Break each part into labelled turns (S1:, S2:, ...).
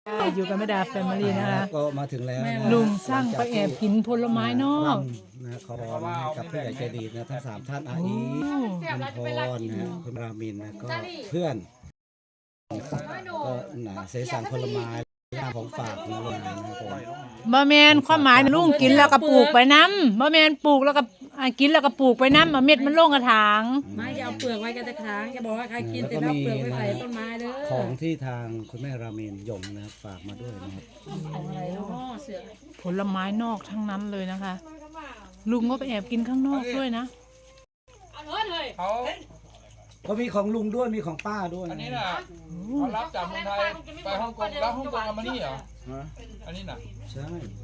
S1: อยู่กับแม่ดาแฟมิลี่นะคะ
S2: ก็มาถึงแล้วนะ
S1: ลุงสร้างไปแอบกินผลไม้นอก
S2: นะขอพรให้กับผู้ใหญ่ใจดีนะทั้ง3ท่านอาอีคุณพรนะคุณรามินนะก็เพื่อนก็เสสารผลไม้ของฝากของลุงนะครับผม
S1: บะแมนความหมายลุงกินแล้วก็ปลูกไปน้ำบะแมนปลูกแล้วก็กินแล้วก็ปลูกไปน้ำเม็ดมันลงกระถาง
S3: ไม่จะเอาเปลือกไว้กันแต่ค้างจะบอกว่าใครกินเสร็จแล้วเปลือกไว้ใส่ต้นไม้เด้อ
S2: ของที่ทางคุณแม่รามินยงนะฝากมาด้วยนะครับ
S3: ของอะไรเนาะเสือ
S1: ผลไม้นอกทั้งนั้นเลยนะคะ ลุงก็ไปแอบกินข้างนอกด้วยนะ
S4: เขา
S2: ก็มีของลุงด้วยมีของป้าด้วย
S4: อันนี้น่ะเขารับจากเมืองไทยไปฮ่องกงแล้วฮ่องกงเอามานี่เหรอ
S2: ฮะ
S4: อันนี้น่ะ
S2: ใช่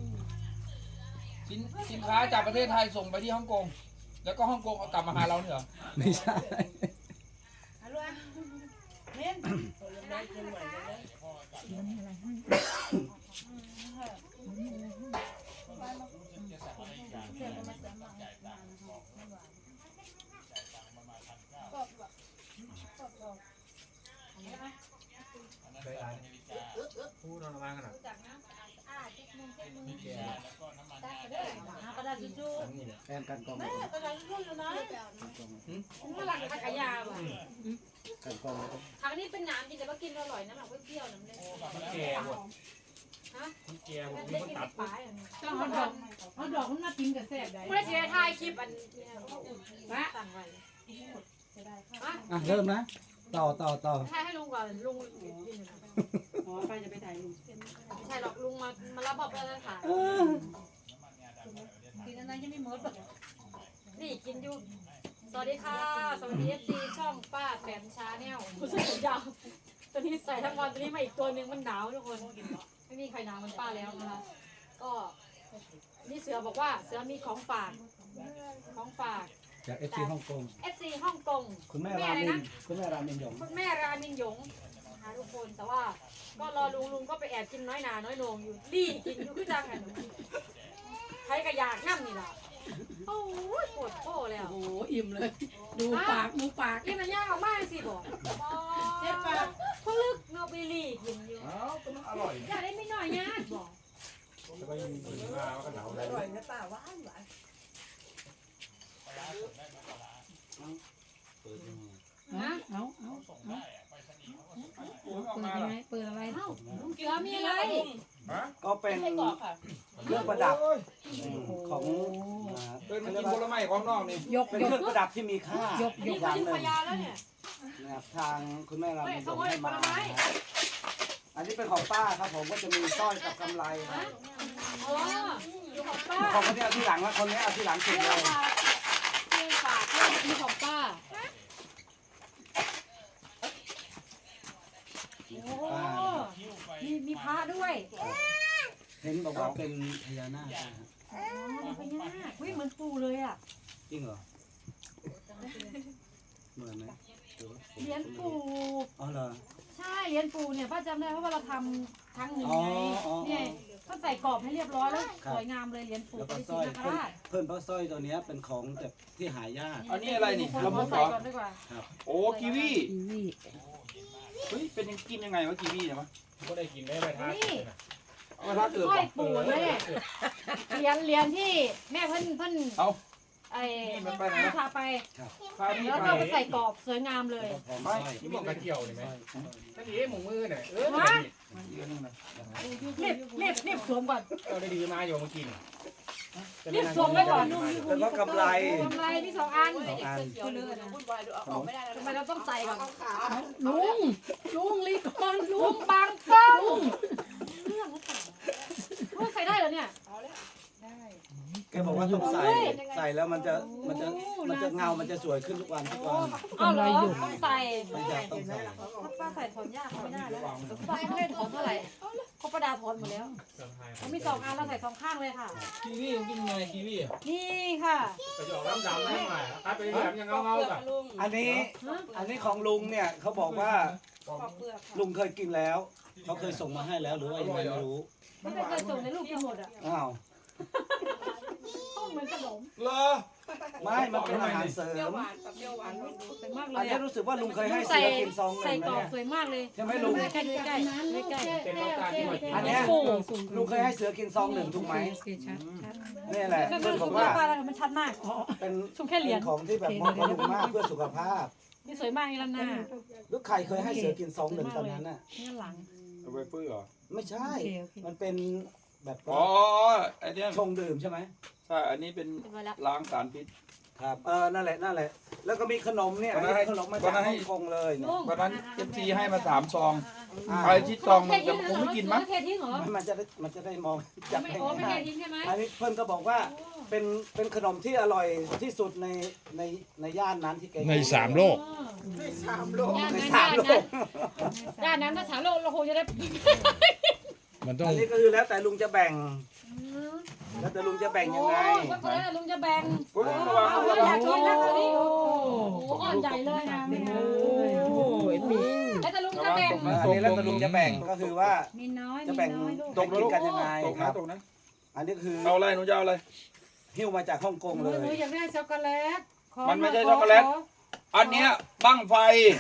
S4: สินค้าจากประเทศไทยส่งไปที่ฮ่องกงแล้วก็ฮ่องกงเอากลับมาหาเราเนี่ยเหรอ
S2: ไม่ใช่
S4: พูดอะไรกันอ่ะ
S3: กระดาษทิชชู่
S2: แอนกันกอง
S3: กระดาษทิชชู่อยู่ไหนเมื่อหลังขยาว่ะ
S2: กันกอง
S3: ทางนี้เป็นน้ำจริงแต่ว่ากินอร่อยนะแบบเปรี้ยวน้ำเลย
S4: แก่หมด
S3: ฮะ
S4: แก่หมดมี
S3: ได้
S4: คน
S3: กิน
S4: ตัด
S3: ปลายอันนี้
S1: ต้องเอาดอกมันมากินกับแซ่บได้
S3: เมื่อเช้าถ่ายคลิปอันต่างไว้
S2: อ่ะเริ่มนะต่อ
S3: ถ่ายให้ลุงก่อนลุงอ๋อไปจะไปถ่ายลุงไม่ใช่หรอกลุงมารับบอกแล้วค่ะกินอะไรยังไม่หมดนี่กินอยู่สวัสดีค่ะสวัสดีFC ช่องป้าแปมชาแนลคุณสุดยาวตัวนี้ใส่ทั้งวันตัวนี้มาอีกตัวหนึ่งมันหนาวทุกคนไม่มีใครหนาวมันป้าแล้วนะคะก็นี่เสือบอกว่าเสือมีของฝาก
S2: จากเอฟซีฮ่องกง
S3: FC ฮ่องกง
S2: คุณแม่
S3: อะไร
S2: รามิน
S3: นะ
S2: คุณแม่รามินยง
S3: คุณแม่รามินหยงนะคะทุกคนแต่ว่าก็รอลุงก็ไปแอบกินน้อยหนาน้อยโหนงอยู่รีกินอยู่คือจังกันใครก็อยากนั่นี่ล่ะโอ้ยปวดโป้แล้ว
S5: โอ้อิ่มเลย ดูปากดูปาก
S3: กินมันยากออกมากสิบอกเจ็บปากพลึกเนาะไปรีกินอยู่
S4: อ้าวก็มันอร่อย
S3: อยากได้ไม่น้อยยากบอก
S4: จะไปมาก็หนาวเลย
S5: อร่อยนะป้าหวานหวาน
S3: นะ
S5: เอา
S4: ออกมาเหรอ
S3: เปิดอะไรเอ้าลุงเสือมีอะไร
S4: ฮะ
S2: ก็เป็น
S5: ไส้กรอกค่ะ
S2: เครื่องประดับของ
S4: เป็นมันกินผลไม้ของนอกนี่
S2: เป็นเครื่องประดับที่มีค่า
S3: นี่
S2: อ
S3: เขา
S2: ย่าง
S3: ยิง
S2: หนึ่
S3: พ
S2: ง
S3: ยาแล้วเนี่ย
S2: นะครับทางคุณแม่รามินยง
S3: เฮ้ย
S2: ให้มา
S3: ขโมยผลไม้
S2: นะครับอันนี้เป็นของป้าครับผมก็จะมีสร้อยกับกำไรครับ
S3: อ๋ออยู่ของป้า
S2: ของคนนี้เอาที่หลังแล้วคนนี้เอาที่หลังสุด
S3: เรื่
S2: เล
S3: อง
S2: ย
S3: ฝากเรื่องฝากเรื่องมีของป้าโอ้
S2: ป้า
S3: มีพระด้วย
S2: เห็นบอกว่าเป็นพญานาคนะฮะ
S3: อ๋อมีพญานาคเฮ้ยเหมือนปูเลยอ่ะ
S2: จริงเหรอเหมือนไหม
S3: เหรียญปู
S2: อ๋อเหรอ
S3: ใช่เหรียญปูเนี่ยป้าจำได้เพราะว่าเราทำครั้งหนึ่ง
S2: อ๋อ
S3: ไง
S2: อ๋อ
S3: เนี่ยก็ใส่กรอบให้เรียบร้อยแล้ว
S2: ครับ
S3: สวยงามเลยเหรียญปู
S2: แล้ว
S3: ป
S2: ก็
S3: ฏิ
S2: สร้อย
S3: ทินนาคราช
S2: เพิ่นเพราะสร้อยตัวเนี้ยเป็นของแบบที่หายาก
S4: อันนี้อะไรนี่
S3: คน
S4: ละมุ
S3: ขอ
S4: ดเหร
S3: ใส่
S4: อ
S3: ก่อนดีกว่า
S4: โอ้กีวีเฮ้ยเป็นยังกินยังไงวะกีวีเนี่ยมั้ย
S6: ก็ได้กินได้ไปทาน
S3: นี่
S4: เอามาทักเกิด
S3: สร้อย
S4: ป่ะ
S3: ปูเนี่ยเหรียญที่แม่เพิ่น
S4: เอา
S3: ไอ้
S4: นี่มันไปไหนนะ
S3: พาไป
S4: พาพี่
S3: แล้ว
S4: ไป
S3: ก็ไปใส่กรอบสวยงามเลย
S2: พร้อม
S4: ไม่
S2: สร้อย
S6: ที่บอกกระเจียวเห็นไหมนั่นเอ๋หมูมือเนี่ยเออ
S3: ฮะ
S4: เยอะนึงนะ
S3: รีบสวมก่อน
S6: เราได้ดีมาอยู่เมื่อกี้
S3: รีบสวมไว้ก่อน
S2: แล้วก็กำไร
S3: กำไรที่2 อัน
S2: สองอัน
S5: วุ่นวายดูเอาออกไม่ได้แล้ว
S3: ทำไมเราต้องใส่ก่อน
S5: ลุงรีบก่อนลุ
S3: ลุ
S5: ง
S3: งบังกล้องเรื่องหรือเปล่าเฮ้ยใส่ได้เหรอเนี่ย
S2: แกบอกว่าต้องใส่แล้วมันจะเงา มันจะสวยขึ้นทุกวัน
S3: เอาเหรอต้องใส่
S2: ไม่อยากต้องใส่
S3: ถ้าป้าใส่ถอนยากไม่ได้แล้วป้าไม่ได้ถอนเท่าไหร่เขาประดาถอนหมดแล้วเขามี2 อันเราใส่2 ข้างเลยค่ะ
S6: กีวีกินไงกีวี
S3: นี่ค่ะ
S6: ไปหยอกน้ำดำได้ไหมครับไปแบบยังเงาๆแบบ
S5: ลุง
S2: อันนี้ของลุงเนี่ยเขาบอกว่า
S5: ปอกเปลือกค่ะ
S2: ลุงเคยกินแล้ว เขาเคยส่งมาให้แล้วหรือว่ายังไงไม่รู้
S3: ไม่เคยส่งในรูปกินหมดอ่ะ
S2: อ้าว
S3: ต้องมือนขนม
S6: เหรอ
S2: ไม่มันเป็นอาหารเสริ
S5: เปรี้ยว
S2: ม
S5: หวานกับเปรี้ยวหวานลองดู
S3: สวยมากเล
S2: อัน
S3: ย
S2: นี้
S3: อะ
S2: รู้สึกว่าลุงเคยให้
S3: ใส่
S2: เสือกินซองห
S3: ใส่
S2: นึ่ง
S3: กรอบ
S2: นะ
S3: สวยมากเลย
S2: ใช่ไหมลุง
S3: ใกล้ๆใกล้ๆใกล้ๆ
S6: เป็นน้ำตาลที่หัวใจ
S2: อันเนี้ยลุงเคยให้เสือกินซองหนึ่งถูกไหมนี่แหละเพื่อนบอกว่า
S3: มันชัดมาก
S2: เป็น
S3: ชมแค่เหรียญ
S2: ของที่แบบบำรุงมากเพื่อสุขภาพ
S3: นี่สวยมากอีกแล้วนะ
S2: ลูกใครเคยให้เสือกินซองหนึ่งตอนนั้นน่ะ
S3: นี่หลัง
S6: เอาไปฟื้นเหรอ
S2: ไม่ใช่ มันเป็นแบบ
S4: อ๋อไอ้เนี่ย
S2: ชงดื่มใช่ไหม
S4: ใช่อันนี้เป็น
S3: เรียบร้อยแล้ว
S4: ล้างสารพิษ
S2: ครับนั่นแหละนั่นแหละ แล้วก็มีขนมเนี่ย
S4: วันนั้นให้
S2: ขนมมา
S4: วั
S2: จาก
S4: นนั้นให้
S2: ฮ่องกงเลยเนี่ย
S4: วันนั้นเอฟซีให้มา3 ซอง
S2: อ่า
S4: ใครที่ซองมันจะคงไม่กินมั้ง
S3: เททิ้งเหรอ
S2: มันจะได้มองจับ
S3: ไม่
S2: ให้
S3: โอ้ไม่เท
S2: ง่าย
S3: ทิ้งใช่ไหม
S2: อันนี้เพื่อนก็บอกว่าเป็นขนมที่อร่อยที่สุดในย่านนั้นที่แก
S7: ใน3 โลก
S2: ในสามโลก
S3: ด้านนั้นถ้าถามเราคงจะได้
S7: มันต้อง
S2: อันนี้ก็คือแล้วแต่ลุงจะแบ่ง แล้วแต่ลุงจะแบ่งยังไง
S3: ก็คนนั้นลุงจะแบ่ง
S4: ระวังระ
S3: อ
S4: วั
S3: ยาง กกินแล้วตอนนี้โอ้โหอ่อนใหญ่เลยนะแล้วแต่ลุงจะแบ่ง
S2: อันนี้แล้วแต่ลุงจะแบ่งก็คือว่า
S3: มีน้อย
S2: จะแบ่ง
S4: ตกนะ
S2: กิน
S4: ลูก
S2: กันยังไง
S4: ตก
S2: ค
S4: นะ
S2: รับ
S4: ตกนะ
S2: อันนี้คือ
S4: เอาอะไรหนูจะเอาอะไร
S2: หิ้วมาจากฮ่องกงเลย
S3: หนูอยากได้ช็อกโกแลต
S4: มันไม่ใช่ช็อกโกแลต อันเนี้ยบั้งไฟ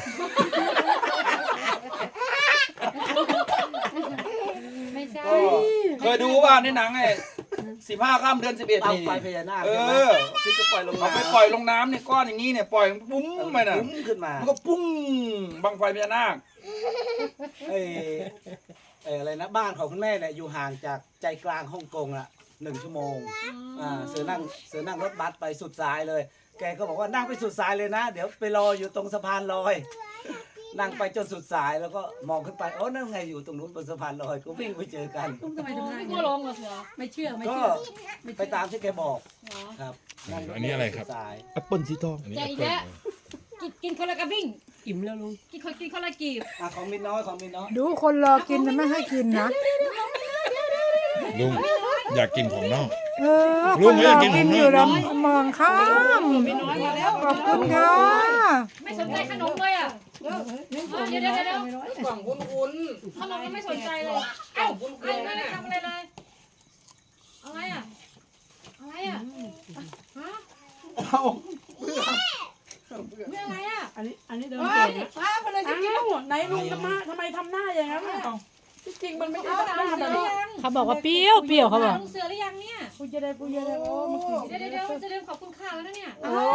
S3: ไม่ใช่
S2: ก็
S4: เคยดูว่าในหนังไอ้15 ค่ำเดือน 11
S2: เตา
S4: นี่
S2: ไฟพญานาค
S4: เอ
S2: ใช่ไหม
S4: อ
S2: ที่จะปล่อยลง
S4: เอา
S2: น้ำ
S4: ไปปล่อยลงน้ำเนี่ยก้อนอย่างนี้เนี่ยปล่อยปุ้งไปน่ะ
S2: ปุ้งขึ้นมา
S4: มันก็ปุ้งบังไฟพญานาค
S2: เอ้อะไรนะบ้านของคุณแม่เนี่ยอยู่ห่างจากใจกลางฮ่องกงละ1 ชั่วโมงเสือนั่งรถบัสไปสุดสายเลย แกก็บอกว่านั่งไปสุดสายเลยนะ เดี๋ยวไปรออยู่ตรงสะพานลอย นั่งไปจนสุดสายแล้วก็มองขึ้นไปโอ้นั่นไงอยู่ตรงนู้นบนสะพานลอยก็วิ่งไปเจอกัน
S5: ทำไมทำหน้า
S3: ไม่
S5: อย่าง
S3: กลั
S5: นี้
S3: วลงเหรอเสือ
S5: ไม่เชื่อไม่
S2: ก็
S5: เชื่อ
S2: ไปตามที่แกบอก
S3: เหรอ
S2: ครับ
S7: อันนี้อะไรครับ
S2: สุดสาย
S7: แอปเปิลสีทอง
S3: ใจอีกแล้วกินคนละกระบิ่ง
S5: อิ่มแล้วลุง
S3: กินคนละกีบ
S2: ของมินน้อยของมินน้อย
S1: ดูคนรอกินนะไม่ให้กินนะ
S7: ลุงอยากกินของนอก
S1: ค
S7: ลุง
S1: น
S7: ไม่
S1: ร
S7: ได้
S1: อ
S7: กิน
S1: กิน
S7: ของนอก
S1: อยู่แล้วมองข้ามขอบคุณค่ะ
S3: ไม่สนใจขนมเลยอ่ะเดี๋ยว
S6: กล่องวุ้น
S3: ขนมยังไม่สนใจเลยเอ้าไม่ได้ทำอะไรเลยอะไรอ่ะอะไรอ่ะฮะ
S4: เอา
S3: เรื่องอะไรอ่ะ
S5: อันนี้เดินเก่งนะอ้าวอะไรจะกินไหนลุงทำไมทำหน้าอย่างนั้นอ่ะจริงๆมันไม่ใช่
S3: เอา
S5: หน้า
S3: เสื
S5: แบ
S3: อบ หรือ
S5: นี้
S3: ยัง
S1: เขาบอกว่าเปรี้ยวเปรี้ยวเขาบอก
S3: ลุงเสือหรือยังเนี่ย
S5: กูจะได้โอ้เมื่อกี้
S3: เดี๋ยวจะลืมขอบคุณข้าวแล้วนะเนี่ย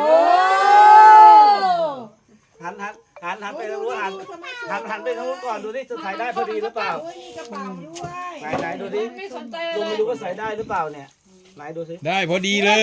S2: หันไปทางนู้นหันไปทางนู้นก่อนดูที่จะใส่ได้พอดีหรือเปล่า
S5: มีกระเป๋าด้วย
S2: ไหนดูดิ
S3: ไม่สนใจ
S2: ลุง
S3: เล
S2: ไม่
S3: ย
S2: รู้ว่าใส่ได้หรือเปล่าเนี่ยไหนดูสิ
S7: ได้พอดีเลย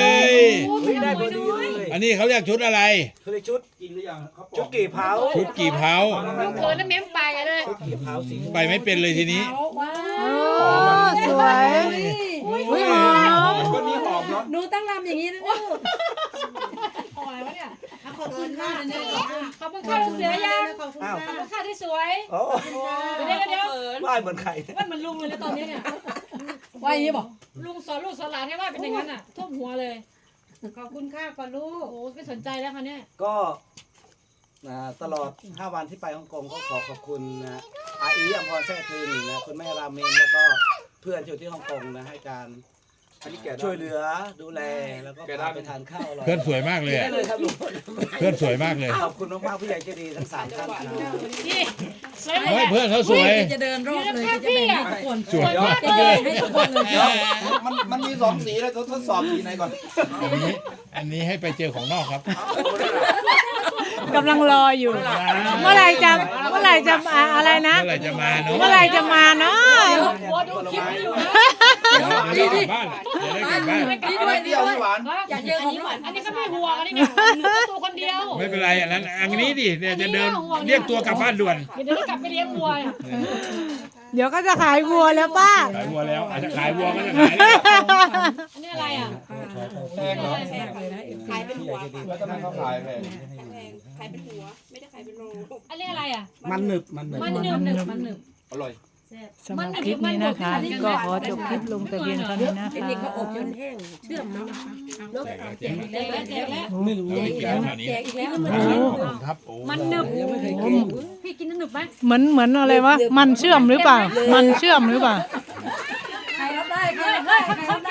S2: เฮ้ยได้พอดีเลย
S7: อันนี้เขาเรียกชุดอะไร
S2: คือชุด
S4: กินหรือยังครับ
S2: ชุดกี่เผา
S7: ชุดกี่เผา
S3: ลุงเขินแล้วเม้มปลายเลย
S2: ชุดกี่เผาสี
S7: ไปไม่เป็นเลยทีนี้
S5: ว้า
S1: โอ้สวยอุ้ยหอม
S4: คนนี้หอมเนาะ
S5: หนูตั้งลำอย่างนี้นะลูก
S3: อะไรวะเนี่ย
S5: ขอบคุณค่ะเนี่ย
S3: ขอบคุณข้าวลุงเสือยัง
S2: อ้าว
S3: ขอบคุณข้าวที่สวย
S2: โอ้
S3: เดี๋ยว
S2: ว่ายเหมือนไข่
S3: ว่ามันลุงเลยนะตอนนี้เนี่ย
S5: ว่าอย่างนี้บอก
S3: ลุงสอนลูกสอนหลานให้ว่าเป็นอย่างนั้นอ่ะท่วมหัวเลย
S5: ขอบคุณค่ะก่อนลูก
S3: โอ้ไม่สนใจแล้วค่ะเนี่ย
S2: ก็ตลอด5 วันที่ไปฮ่องกงก็ขอบคุณนะอาอีอัมพรแท้ทึนนะคุณแม่ราเมนแล้วก็เพื่อนที่อยู่ที่ฮ่องกงนะให้การ
S4: อันนี้แกะได้
S2: ช่วยเหลือดูแลแล้วก็พาไปทานข้าวอร่อย
S7: เพื่อนสวยมากเลย
S2: ได้
S7: อะ
S2: เลยครับลุง
S7: เพื่อนสวยมากเลย
S2: ขอบคุณมากๆผู้ใหญ่ใจดีทั้ง3 ท่านครับ
S3: นี่สวยเลย
S7: เฮ้ย
S3: เนี่ย
S7: เพื่อนเขาสวย
S5: จะเดินรอบเลยจะแบ่งให้ทุกคน
S7: สวยมาก
S5: จะแบ่งให้ทุกคนเลย
S4: เดี๋ยวมันมี2 สีแล้วทดสอบสีไหนก่อน
S7: อันนี้ให้ไปเจอของนอกครับ
S1: กำลังรออยู่ เมื่อไหรจะอะไรนะ
S7: เมื่อไหร่จะมาเนาะ
S1: เมื่อไหรจะมาเนาะ
S3: หัวดูคลิปอยู่นะ
S7: เดี๋ยวได้กลับบ้านจะได้กลับบ้าน
S5: ดี
S4: อัน
S5: ด้วย
S4: นี้
S5: ดี
S4: เปรี้ยว
S5: ด้วย
S4: ที่หวาน
S5: อยากเจอของหวาน
S3: อันนี้ก็ไม่ห่วงอันนี้เนี่ยหนูก็ตัวคนเดียว
S7: ไม่เป็นไรอันนี้ดิเนี่ยจะเดินเรียกตัวกลับบ้านด่วน
S3: เดี๋ยวจะกลับไปเลี้ยงวัวเนี่ย
S1: เดี๋ยวก็จะขายวัวแล้วป้า
S7: ขายวัวแล้วอาจจะขายวัวก็จะขายแล้ว
S3: อันนี้อะไรอ่ะ
S4: แพงเหรอ
S5: เลยนะขายเป็นหัว
S4: แล้วทำไมเขาขายแพง
S5: ขายเป็นหัวไม่ได้ขายเป็นโล
S3: อันนี้อะไรอ่ะ
S2: มันหนึบ
S3: มันหนึบมันหนึบ
S4: อร่อย
S1: สำหรับคลิปนี้นะคะ ก็ขอจบคลิปลงแต่เพียงเท่านี้นะคะ
S5: อันนี้เขาอบจนแห้งเชื่อมแล้วนะคะ
S7: แจกแล้วแจก
S3: แจกแล้ว
S2: ไม่รู้
S7: เราได้กินแล้วคราวนี้
S5: แจกอีกแล้ว
S7: ขอบคุณครับโอ้
S3: มันหนึบ
S2: ยังไม่เคยกิน
S3: พี่กินหนึบไหม
S1: เหมือนอะไรวะ มันเชื่อมหรือเปล่า มันเชื่อมหรือเปล่า
S5: ใครรับได้ใคร
S3: เฮ้ย
S5: รับได้
S3: เขา
S5: ใครรับ
S3: แก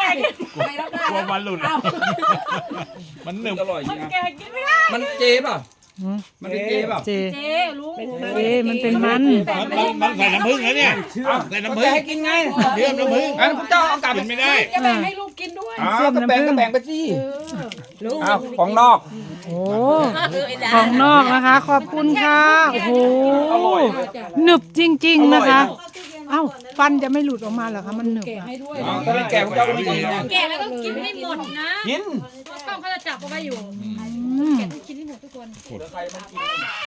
S5: ไม่รับได้
S7: กลัวมันหลุดมันหนึบ
S4: อร่อยจริง
S3: แก
S4: นะ
S3: กินไม่ได้
S4: มันเจป่ะ
S1: หืม
S4: มันเป็นเจป่ะ
S1: เจ
S3: เจ๊ลุง
S1: เจมันเป็นมัน
S7: มันใส่น้ำผึ้งแล้วเนี่ย
S4: อ้าว
S7: ใส่
S4: ก็
S7: น้ำผึ้
S4: จะ
S7: ง
S4: ให้กินไง
S7: เชื่อมน้ำผึ้ง
S4: งั้นพระเจ้าเอากลับ
S7: กินไม่ได้
S5: จะแบ่งให้ลูกกินด้วย
S4: อ้าวก็แบ่งก็แบ่งไปสิอ้าวของนอก
S1: โอ้ของนอกนะคะ ขอบคุณค่ะโอ้โหหนึบจริง ๆนะคะ เอ้าฟันจะไม่หลุดออกมาเหรอคะมันหนึบ
S5: แกะ
S1: อะ
S5: ให้ด้วย
S4: อ้าวก็เป็นแก่พระเจ้าก็ไม่กินไง
S3: แกแล้วต้องกินให้หมดนะ
S4: กิน
S3: กล้องเขาจะจับเอาไว้อยู่
S1: อืม
S3: กินให้หมดทุกคน